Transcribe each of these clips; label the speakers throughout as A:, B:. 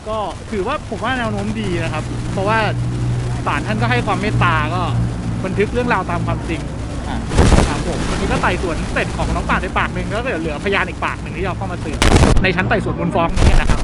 A: ก็ถือว่าผมว่าแนวโน้มดีนะครับเพราะว่าศาลท่านก็ให้ความเมตตาก็บันทึกเรื่องราวตามความจริงครับผมวันนี้ก็ไต่สวนเสร็จของน้องป่านไปปากหนึ่งแล้วก็เหลือพยานอีกปากหนึ่งที่จะเข้ามาสืบในชั้นไต่สวนมูลฟ้องนี้นะครับ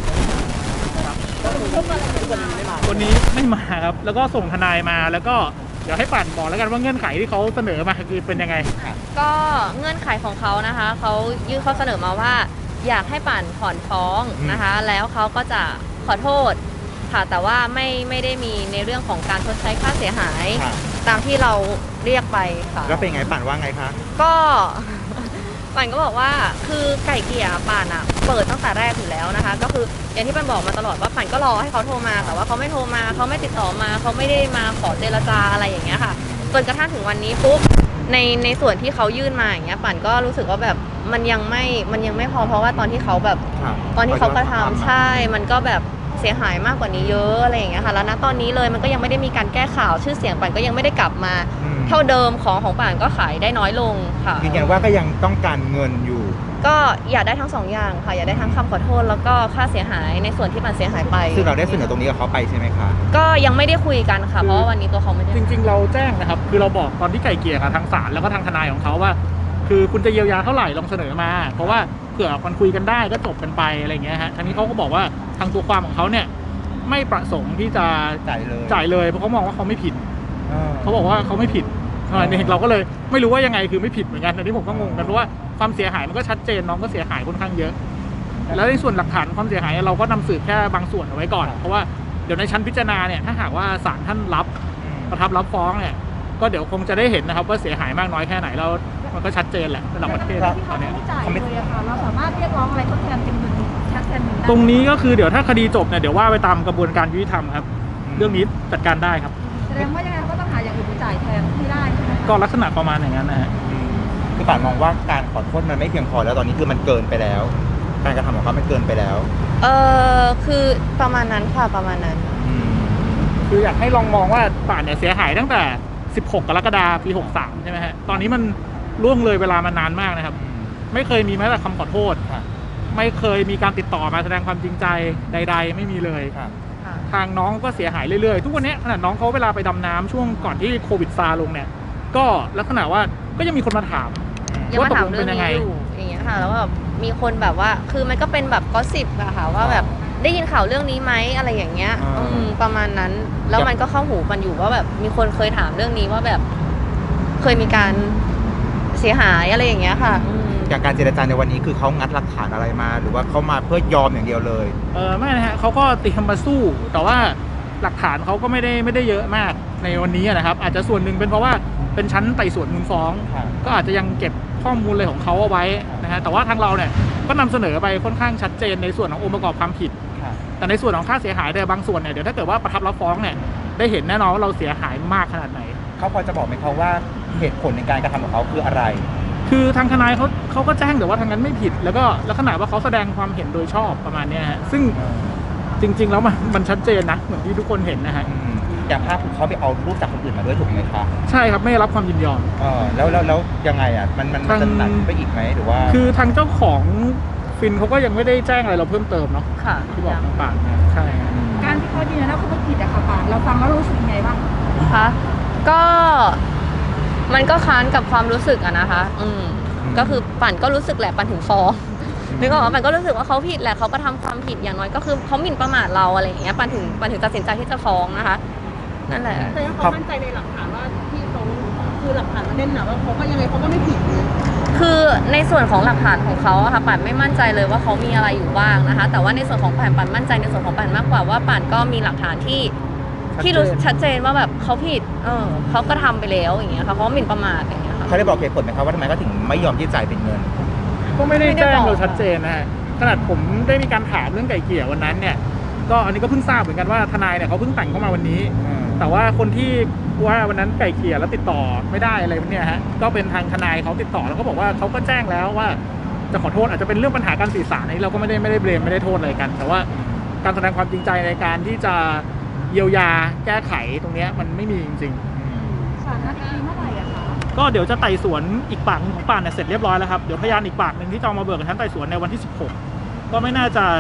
A: วันนี้ไม่มาครับแล้วก็ส่งทนายมาแล้วก็เดี๋ยวให้ป่านบอกแล้วกันว่าเงื่อนไขที่เขาเสนอมาคือเป็นยังไง
B: ก็เงื่อนไขของเขานะคะเขายื่นข้อเสนอมาว่าอยากให้ป่านถอนฟ้องนะคะแล้วเขาก็จะขอโทษค่ะแต่ว่าไม่ได้มีในเรื่องของการชดใช้ค่าเสียหายตามที่เราเรียกไปค่ะ
C: แล้วเป็นไงป่านว่าไงคะ
B: ก็ป่านก็บอกว่าคือไก่เกลี่ยป่านอ่ะเปิดตั้งแต่แรกอยู่แล้วนะคะก็คืออย่างที่ป่านบอกมาตลอดว่าป่านก็รอให้เขาโทรมาแต่ว่าเขาไม่โทรมาเขาไม่ติดต่อมาเขาไม่ได้มาขอเจรจาอะไรอย่างเงี้ยค่ะจนกระทั่งถึงวันนี้ปุ๊บในส่วนที่เขายื่นมาอย่างเงี้ยป่านก็รู้สึกว่าแบบมันยังไม่พอเพราะว่าตอนที่เขาแบบตอนที่เขากระทำใช่มันก็แบบเสียหายมากกว่านี้เยอะอะไรอย่างเงี้ยค่ะแล้วณตอนนี้เลยมันก็ยังไม่ได้มีการแก้ข่าวชื่อเสียงป่านก็ยังไม่ได้กลับมาเท่าเดิมของป่านก็ขายได้น้อยลงค่ะ
C: ยืนยันว่าก็ยังต้องการเงินอยู่
B: ก็อยากได้ทั้ง2 อย่างค่ะอยากได้ทั้งคำขอโทษแล้วก็ค่าเสียหายในส่วนที่ป่านเสียหายไป
C: ซึ่งเราได้เสนอตรงนี้กับเขาไปใช่ไหมคะ
B: ก็ยังไม่ได้คุยกันค่ะเพราะว่าวันนี้ตัวเขาไม่ได้
A: จริงๆเราแจ้งนะครับคือเราบอกตอนที่ไก่เกลี่ยกับทางศาลแล้วก็ทางทนายของเขาว่าคือคุณจะเยียวยาเท่าไหร่ลองเสนอมาเพราะว่าเผื่อมันคุยกันได้ก็จบกันไปอะไรเงี้ยฮะทางนี้เขาก็บอกว่าทางตัวความของเขาเนี่ยไม่ประสงค์ที่จะจ่ายเลยเพราะเขามองว่าเขาไม่ผิดเขาบอกว่าเขาไม่ผิดเราก็เลยไม่รู้ว่ายังไงคือไม่ผิดเหมือนกันอันนี้ผมก็งงกันเพราะว่าความเสียหายมันก็ชัดเจนน้องก็เสียหายค่อนข้างเยอะแล้วในส่วนหลักฐานความเสียหายเราก็นำสืบแค่บางส่วนเอาไว้ก่อนเพราะว่าเดี๋ยวในชั้นพิจารณาเนี่ยถ้าหากว่าศาลท่านประทับรับฟ้องเนี่ยก็เดี๋ยวคงจะได้เห็นนะครับว่าเสียหายมากน้อยแค่ไหนแล้วมันก็ชัดเจนแหละระดับประเทศ
D: ที่เขาไม่จ่ายเลยอะค่ะเราสามารถเรียกร้องอะไรทดแทนเป็นเงินชัดเจนได้
A: ตรงนี้ก็คือเดี๋ยวถ้าคดีจบเนี่ยเดี๋ยวว่าไปตามกระบวนการยุติธรรมครับเรื่องนี้จัดการได้ครับ
D: แสดงว่ายังไงก็ต้องหาอย่างอื่นไปจ่ายแทนที่ได้ใช่ไหม
A: ก็ลักษณะประมาณอย่างนั้นนะฮะ
C: คือป่านมองว่าการขอโทษมันไม่เพียงพอแล้วตอนนี้คือมันเกินไปแล้วการกระทำของเขามันเกินไปแล้ว
B: คือประมาณนั้นค่ะประมาณนั้น
A: คืออยากให้ลองมองว่าป่านเนี่ยเสียหายตั้งแต่16 กรกฎาคม ปี63ใช่ไหมฮะตอนนี้มันล่วงเลยเวลามานานมากนะครับไม่เคยมีแม้แต่คำขอโทษไม่เคยมีการติดต่อมาแสดงความจริงใจใดๆไม่มีเลยทางน้องก็เสียหายเรื่อยๆทุกวันนี้ขนาดน้องเขาเวลาไปดำน้ำช่วงก่อนที่โควิดซาลงเนี่ยก็ลักษณะว่าก็ยังมีคนมาถาม
B: ว่าตกลงเป็นยังไงอย่างเงี้ยค่ะแล้วแบบมีคนแบบว่าคือมันก็เป็นแบบก็สิบอะค่ะว่าแบบได้ยินข่าวเรื่องนี้ไหมอะไรอย่างเงี้ยประมาณนั้นแล้วมันก็เข้าหูมันอยู่ว่าแบบมีคนเคยถามเรื่องนี้ว่าแบบเคยมีการเสียหายอะไรอย่างเงี้ยค่ะ
C: จากการเจรจาในวันนี้คือเขางัดหลักฐานอะไรมาหรือว่าเขามาเพื่อยอมอย่างเดียวเลย
A: ไม่นะฮะเขาก็เตรียมมาสู้แต่ว่าหลักฐานเขาก็ไม่ได้เยอะมากในวันนี้นะครับอาจจะส่วนหนึ่งเป็นเพราะว่าเป็นชั้นไต่สวนมูลฟ้องก็อาจจะยังเก็บข้อมูลอะไรของเขาเอาไว้นะฮะแต่ว่าทางเราเนี่ยก็นำเสนอไปค่อนข้างชัดเจนในส่วนขององค์ประกอบความผิดแต่ในส่วนของค่าเสียหายแต่บางส่วนเนี่ยเดี๋ยวถ้าเกิดว่าประทับรับฟ้องเนี่ยได้เห็นแน่นอนว่าเราเสียหายมากขนาดไหน
C: เขาพอจะบอกไหมเขาว่าเหตุผลในการกระทำของเขาคืออะไร
A: คือทางทนายเขาก็แจ้งแต่ว่าทางนั้นไม่ผิดแล้วก็ลักษณะว่าเขาแสดงความเห็นโดยชอบประมาณนี้ฮะซึ่งจริงๆแล้วมันชัดเจนนะเหมือนที่ทุกคนเห็นนะฮะ
C: อย่างภาพถูกเขาไปเอารูปจากคนอื่นมาด้วยถูกไหมคะ
A: ใช่ครับไม่รับความยินยอม
C: แล้วยังไงอ่ะมันจะหนักไปอีกไหมหรือว่า
A: คือทางเจ้าของฟินเขาก็ยังไม่ได้แจ้งอะไรเราเพิ่มเติมเนาะ
B: ค่ะ
A: ที่บอกต่างๆใช่
D: การที่เขายืนยันว่าเขาไม่ผิดอะค่ะป่านเราฟังแล้วรู้สึกยังไงบ้าง
B: คะก็มันก็ค้านกับความรู้สึกอะนะคะก็คือปั่นก็รู้สึกแหละปั่นถึงฟ้องนึกออกว่าปั่นก็รู้สึกว่าเขาผิดแหละเขาก็ทำความผิดอย่างน้อยก็คือเขาหมิ่นประมาทเราอะไรอย่างเงี้ยปั่นถึงตัดสินใจที่จะฟ้องนะคะนั่นแหละ
D: แต่เขามั่นใจในหลักฐานว่าที่เขาคือหลักฐานมันแน่นหนาว่าเขาก็ยังไงเขาก็ไม่ผิด
B: คือในส่วนของหลักฐานของเขาอะค่ะปั่นไม่มั่นใจเลยว่าเขามีอะไรอยู่บ้างนะคะแต่ว่าในส่วนของปั่นมั่นใจในส่วนของปั่นมากกว่าว่าปั่นก็มีหลักฐานที่รู้ชัดเจนว่าแบบเขาผิดเขาก็ทำไปแล้วอย่างเงี้ยค่ะเขาหมิ่นประมาทอย่างเงี้ยค่ะ
C: เขาได้บอกเหตุผลไหมครับว่าทำไมเขาถึงไม่ยอมที่จ่ายเป็นเงิน
A: ก็ไม่ได้แจ้งเราชัดเจนนะฮะขนาดผมได้มีการถามเรื่องไก่เกลี่ยวันนั้นเนี่ยก็อันนี้ก็เพิ่งทราบเหมือนกันว่าทนายเนี่ยเขาเพิ่งแต่งเข้ามาวันนี้แต่ว่าคนที่ว่าวันนั้นไก่เกลี่ยแล้วติดต่อไม่ได้อะไรเนี่ยฮะก็เป็นทางทนายเขาติดต่อแล้วก็บอกว่าเขาก็แจ้งแล้วว่าจะขอโทษอาจจะเป็นเรื่องปัญหาการสื่อสารนี้เราก็ไม่ได้เบรมไม่ได้โทษอะไรกันแต่ว่าการแสดงความจริงใจในการที่จะเยียวยาแก้ไขตรงนี้มันไม่มีจริง
D: ๆศาลนัดเมื่อไหร่อะคะ
A: ก็เดี๋ยวจะไต่สวนอีกปากของป่านเนี่ยเสร็จเรียบร้อยแล้วครับเดี๋ยวพยานอีกปากหนึ่งที่จะมาเบิกกับชั้นไต่สวนในวันที่16ก็ไม่น่าจะ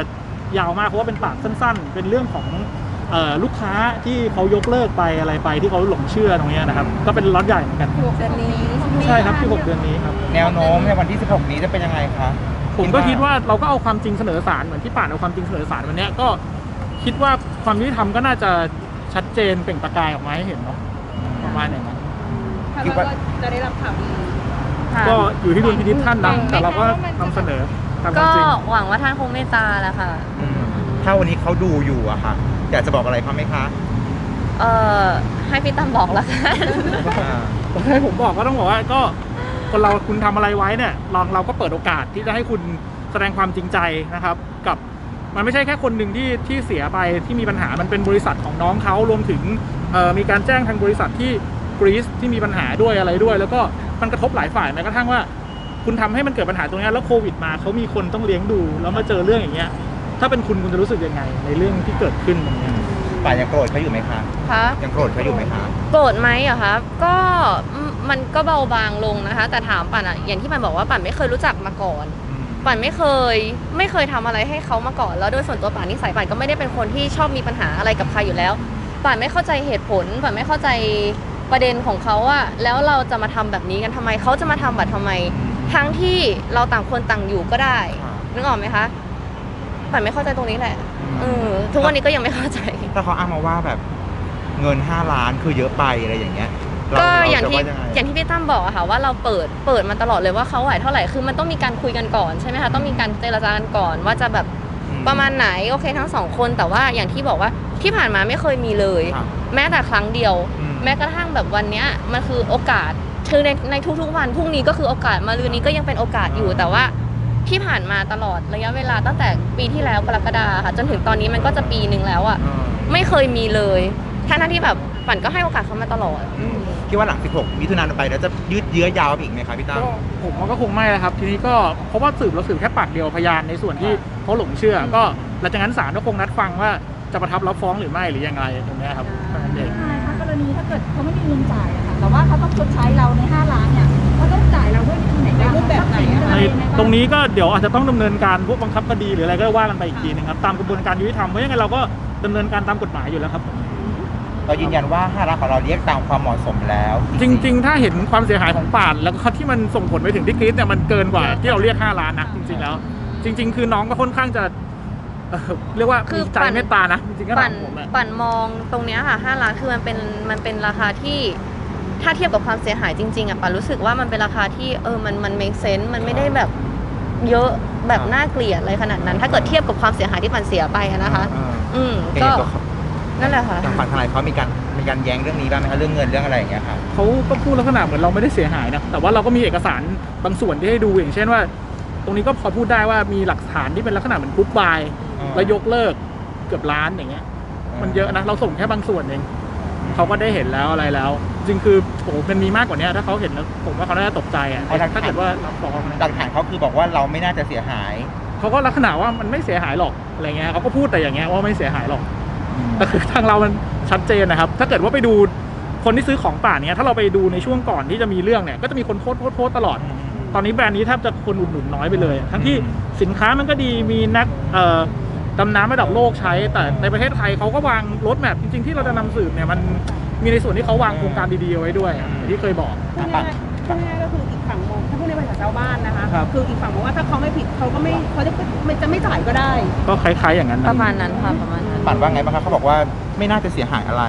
A: ยาวมากเพราะว่าเป็นปากสั้นๆ เป็นเรื่องของลูกค้าที่เขายกเลิกไปอะไรไปที่เขาหลงเชื่อตรงนี้นะครับก็เป็นล็อตใหญ่เหมือนกัน
D: เดือนนี้
A: ใช่ครับที่6 เดือนนี้ครับ
C: แนวโน้มในวันที่ 16 นี้จะเป็นยังไงคะ
A: ผมก็คิดว่าเราก็เอาความจริงเสนอศาลเหมือนที่ป่านเอาความจริงเสนอศาลวันเนี้ยก็คิดว่าความยุติธรรมก็น่าจะชัดเจนเปล่งประกายออกมาให้เห็นเนาะประมาณอย่างนั้น
D: คิดว่าจะได้รับข่าวดี
B: ค่ะ
A: ก็อยู่ที่ดุลพินิจท่านนะแต่เราก็นำเสนอตามควา
B: ก็
A: มจริง
B: หวังว่าท่านคงเมตตาแหละค่ะ
C: ถ้าวันนี้เขาดูอยู่อะค่ะ อยากจะบอกอะไรเขาไหมคะ
B: ให้พี่ตั้มบอกละกัน
A: ผมให้ผมบอกก็ต้องบอกว่าก็คนเราคุณทำอะไรไว้เนี่ยเราก็เปิดโอกาสที่จะให้คุณแสดงความจริงใจนะครับ กับมันไม่ใช่แค่คนหนึ่งที่เสียไปที่มีปัญหามันเป็นบริษัทของน้องเขารวมถึงมีการแจ้งทางบริษัทที่กรีซที่มีปัญหาด้วยอะไรด้วย แล้วก็มันกระทบหลายฝ่ายแม้กระทั่งว่าคุณทำให้มันเกิดปัญหาตรงนี้แล้วโควิดมาเขามีคนต้องเลี้ยงดูแล้วมาเจอเรื่องอย่างเงี้ยถ้าเป็นคุณจะรู้สึกยังไงในเรื่องที่เกิดขึ้นตรงนี้
C: ป่านยังโกรธเขาอยู่ไหมคะ
B: คะ
C: ยังโกรธเขาอยู่ไหมคะ
B: โกรธไหมเหรอคะก็มันก็เบาบางลงนะคะ แต่ถามปั่นอะอย่างที่มันบอกว่าปั่นไม่เคยรู้จักมาก่อน ปั่นไม่เคยทำอะไรให้เขามาก่อนแล้วโดยส่วนตัวปั่นนิสัยปั่นก็ไม่ได้เป็นคนที่ชอบมีปัญหาอะไรกับใครอยู่แล้วปั่นไม่เข้าใจเหตุผลปั่นไม่เข้าใจประเด็นของเขาอะแล้วเราจะมาทำแบบนี้กันทำไมเขาจะมาทำแบบทำไมทั้งที่เราต่างคนต่างอยู่ก็ได้นึกออกไหมคะปั่นไม่เข้าใจตรงนี้แหละทุกวันนี้ก็ยังไม่เข้าใจ
C: ถ้าเขาอ้างมาว่าแบบเงิน5 ล้านคือเยอะไปอะไรอย่างเงี้ย
B: ก็
C: เร
B: อย่าง
C: จะ
B: ที่
C: ว่ยังไง
B: อย่างที่พี่ตั้มบอกอะค่ะว่าเราเปิดมาตลอดเลยว่าเขาไหวเท่าไหร่คือมันต้องมีการคุยกันก่อนใช่ไหมคะต้องมีการเจรจากันก่อนว่าจะแบบประมาณไหนโอเคทั้งสองคนแต่ว่าอย่างที่บอกว่าที่ผ่านมาไม่เคยมีเลย
C: ครับ
B: แม้แต่ครั้งเดียว
C: อืม
B: แม้กระทั่งแบบวันเนี้ยมันคือโอกาสคือในทุกๆวันพรุ่งนี้ก็คือโอกาสมะรืนนี้ก็ยังเป็นโอกาสอยู่แต่ว่าที่ผ่านมาตลอดระยะเวลาตั้งแต่ปีที่แล้วกรกฎาคมค่ะจนถึงตอนนี้มันก็จะปีหนึ่งแล้วอะไม่เคยมีเลยทั้งที่แบบปั่นก็ให้โอกาสเขามาตลอด
C: คิดว่าหลัง 16 มิถุนายนไปแล้วจะยืดเยื้อยาวไปอีกไหมคะพี่ตั้ม
A: ก็ผมว่าก็คงไม่นะครับทีนี้ก็เพราะว่าเราสืบแค่ปากเดียวพยานในส่วนที่เขาหลงเชื่อ ก็หลังจากนั้นศาลก็คงนัดฟังว่าจะประทับรับฟ้องหรือไม่หรือยังไงตรงนี้ครับเท่านั้นเอง
D: ใช่ค่ะกรณีถ้าเกิดเขาไม่มีเงินจ่ายอะค่ะแต่ว่าเขาต้องชดใช้เราใน5 ล้านเนี่ยเขาต้องจ่ายเราด้วยวิธีไหนในรูปแบบไหนอะ
A: ในตรงนี้ก็เดี๋ยวอาจจะต้องดำเนินการพวกบังคับคดีหรืออะไรก็ว่ากันไปอีกทีนึงครับตามกระบวนการยุติธรรมเพราะยังไงเราก็ดำเนินการตามกฎหมายอยู่แล้วครับ
C: เรายืนยันว่า5 ล้านของเราเรียกตามความเหมาะสมแล้ว
A: จริงๆ ถ้าเห็นความเสียหายของป่านแล้วก็ที่มันส่งผลไปถึงที่กรีซเนี่ยมันเกินกว่าที่เราเรียก5 ล้านนะจริงๆแล้ว จริง ๆ คือน้องก็ค่อนข้างจะเรียกว่า
B: คือ
A: มีใจเมตตานะจริงๆก็
B: ปั่น
A: ถามผมอะ
B: ปั่นมองตรงเนี้ยค่ะ5 ล้านคือมันเป็นราคาที่ถ้าเทียบกับความเสียหายจริงๆอ่ะปั่นรู้สึกว่ามันเป็นราคาที่มัน make sense มันไม่ได้แบบเยอะแบบน่าเกลียดอะไรขนาดนั้น ถ้าเกิดเทียบกับความเสียหายที่ปั่นเสียไปอะนะคะ
C: ก็
B: ก็นั่นแหละค่ะ
C: ทางฝั่งทนายเขามีการแย้งเรื่องนี้บ้างไหมคะเรื่องเงินเรื่องอะไรอย่างเงี้ยค่ะ
A: เขาก็พูดลักษณะเหมือนเราไม่ได้เสียหายนะแต่ว่าเราก็มีเอกสารบางส่วนที่ให้ดูอย่างเช่นว่า ตรงนี้ก็พอพูดได้ว่ามีหลักฐานที่เป็นลักษณะเหมือนกรุ๊ปบาย แล้วยกเลิกเกือบล้านอย่างเงี้ย มันเยอะนะเราส่งแค่บางส่วนเองเขาก็ได้เห็นแล้วอะไรแล้ว จริงคือโอ้โหมันมีมากกว่านี้ถ้าเขาเห็นแล้วผมว่าเขาน่าจะตกใจอ่ะถ้าเกิดว่ารับฟ้องนะ
C: หลักฐานเขาคือบอกว่าเราไม่น่าจะเสียหาย
A: เขาก็ลักษณะว่ามันไม่เสียหายหรอกอะไรเงี้ยเขาก็พูดแต่อย่างเงี้ยว่าไม่เสียหายหรอกแต่คือทางเรามันชัดเจนนะครับ ถ้าเกิดว่าไปดูคนที่ซื้อของป่าเนี้ยถ้าเราไปดูในช่วงก่อนที่จะมีเรื่องเนี่ยก็จะมีคนโพสต์ตลอด ตอนนี้แบรนด์นี้แทบจะคนอุดหนุนน้อยไปเลย ทั้งที่สินค้ามันก็ดีมีนักดำน้ำระดับโลกใช้ แต่ในประเทศไทยเขาก็วางรถแมพจริงๆที่เราจะนำสืบเนี่ยมันมีในส่วนที่เขาวางโครงการดีๆเอาไว้ด้วยอย่างที่เคยบอก
D: พูดง่ายๆก็คืออีกฝั่งมองถ้าพูดในภาษาชาวบ้านนะคะ
A: ครับ
D: คืออีกฝั่งบอกว่าถ้าเขาไม่ผิดเขาก็ไม่เขาจะไม่จ่ายก็ได้
A: ก็คล้ายๆอย่างนั้น
B: ป
A: นะ
B: ระมาณนั้นค่ะประมาณนั้น
C: ปั่นว่าไงบ้างคะเขาบอกว่าไม่น่าจะเสียหายอะไร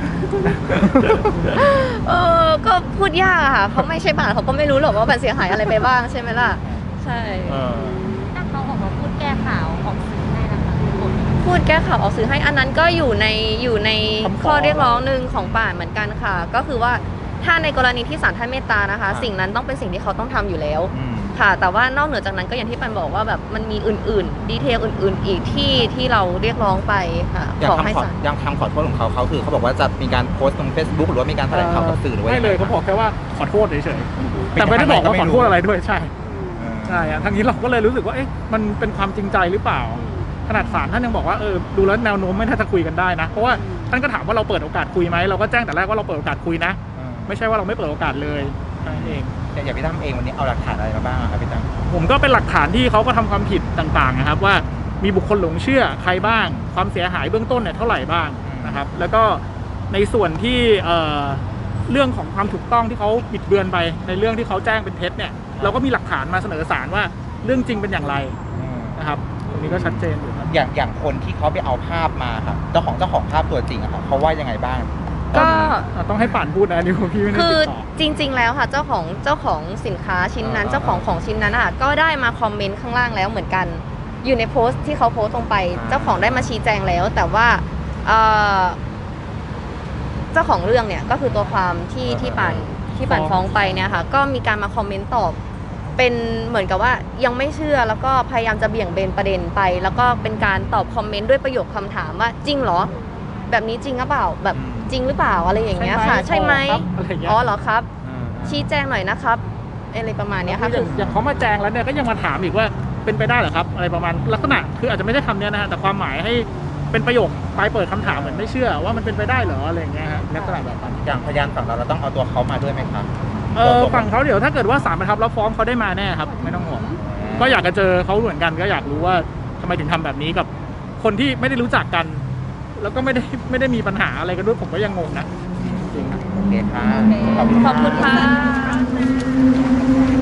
B: ก็พูดยากอะค่ะเพราะไม่ใช่ป่านเขาก็ไม่รู้หรอกว่าปั่นเสียหายอะไรไปบ้างใช่ไหมล่ะใช่
E: ถ้าเขาออกมาพูดแก้ข่าวออกสื่อให้นะคะคน
B: พูดแก้ข่าวออกสื่อให้อันนั้นก็อยู่ในข้อเรียกร้องหนึ่งของป่านเหมือนกันค่ะ ก็คือว่าถ้าในกรณีที่ศาลท่านเมตตานะคะ สิ่งนั้นต้องเป็นสิ่งที่เขาต้องทำอยู่แล้วค่ะ แต่ว่านอกเหนือจากนั้นก็อย่างที่ปันบอกว่าแบบมันมีอื่นๆดีเทลอื่นๆอีกที่เราเรียกร้องไปค่ะ
C: อย่าง
B: ขอให้
C: คำขอ
B: ศาล
C: อย่างคำขอโทษของเขาคือเขาบอกว่าจะมีการโพสต์ลง Facebook หรือว่ามีการแถลงข่าวกับสื่อหรือว่า
A: ไม่เลยเขาบอกแค่ว่าขอโทษเฉยๆแต่ไม่ได้บอกว่าขอโทษอะไรด้วยใช่ใช่อะทางนี้เราก็เลยรู้สึกว่าเอ๊ะมันเป็นความจริงใจหรือเปล่า ขนาดศาลท่านยังบอกว่าดูแล้วแนวโน้มไม่น่าจะคุยกันได้นะเพราะว่าท่านก็ถามว่าเราเปิดโอกาสคุยไหมเราก็แจ้งแต่แรกว่าเราเปิดโอกาสคุยนะไม่ใช่ว่าเราไม่เปิดโอกาสเลยนั่นเอง
C: อย่างพี่ตั้มเองวันนี้เอาหลักฐานอะไรมาบ้างครับพี่ตั้ม
A: ผมก็เป็นหลักฐานที่เขาก็ทำความผิดต่างๆนะครับว่ามีบุคคลหลงเชื่อใครบ้าง ความเสียหายเบื้องต้นเนี่ยเท่าไหร่บ้างนะครับแล้วก็ในส่วนที่เรื่องของความถูกต้องที่เขาบิดเบือนไปในเรื่องที่เขาแจ้งเป็นเท็จเนี่ยเราก็มีหลักฐานมาเสนอศาลว่าเรื่องจริงเป็นอย่างไรนะครับตรงนี้ก็ชัดเจนอยู่ครับ
C: อย่างคนที่เขาไปเอาภาพมาครับเจ้าของภาพตัวจริงอะครับเขาว่ายังไงบ้าง
B: ก็
A: ต้องให้ป่านพูดนะนี่พี่ไม่ได้
B: คือ
A: ติดต่อ
B: จริง ๆ แล้วค่ะเจ้าของสินค้าชิ้นนั้นเจ้าของชิ้นนั้นอ่ะก็ได้มาคอมเมนต์ข้างล่างแล้วเหมือนกัน อยู่ในโพสต์ที่เขาโพสต์ลงไป เจ้าของได้มาชี้แจงแล้ว แต่ว่าเจ้าของเรื่องเนี่ยก็คือตัวความที่ป่านฟ้องไปเนี่ยค่ะก็มีการมาคอมเมนต์ตอบเป็นเหมือนกับว่ายังไม่เชื่อแล้วก็พยายามจะเบี่ยงเบนประเด็นไป แล้วก็เป็นการตอบคอมเมนต์ด้วยประโยคคำถามว่าจริงเหรอแบบนี้จริงหรือเปล่าแบบจริงหรือเปล่าอะไรอย่างเงี้ยค่ะใช่ไหม
A: อะไรอย่างเงี้ย
B: อ๋อเหรอครับชี้แจงหน่อยนะครับอะไรประมาณเนี้ยค่ะ
A: คืออย่างเขามาแจงแล้วเนี่ยก็ยังมาถามอีกว่าเป็นไปได้เหรอครับอะไรประมาณลักษณะคืออาจจะไม่ใช่คำเนี้ยนะฮะแต่ความหมายให้เป็นประโยคปลายเปิดคำถามเหมือนไม่เชื่อว่ามันเป็นไปได้เหรออะไรอย่างเงี้ยฮะลักษณะแบบนั้น
C: อย่างพยานฝั่งเราต้องเอาตัวเขามาด้วยไหมครับ
A: ฝั่งเขาเดี๋ยวถ้าเกิดว่าศาลประทับรับฟ้องเขาได้มาแน่ครับไม่ต้องห่วงก็อยากจะเจอเขาเหมือนกันก็อยากรู้ว่าทำไมถึงทำแบบนี้กับคนที่ไม่ได้รู้จักกัน แล้วก็ไม่ได้มีปัญหาอะไรกันด้วยผมก็ยังงงนะจริงๆ
C: โอเคครับ
B: ขอบคุณค่ะ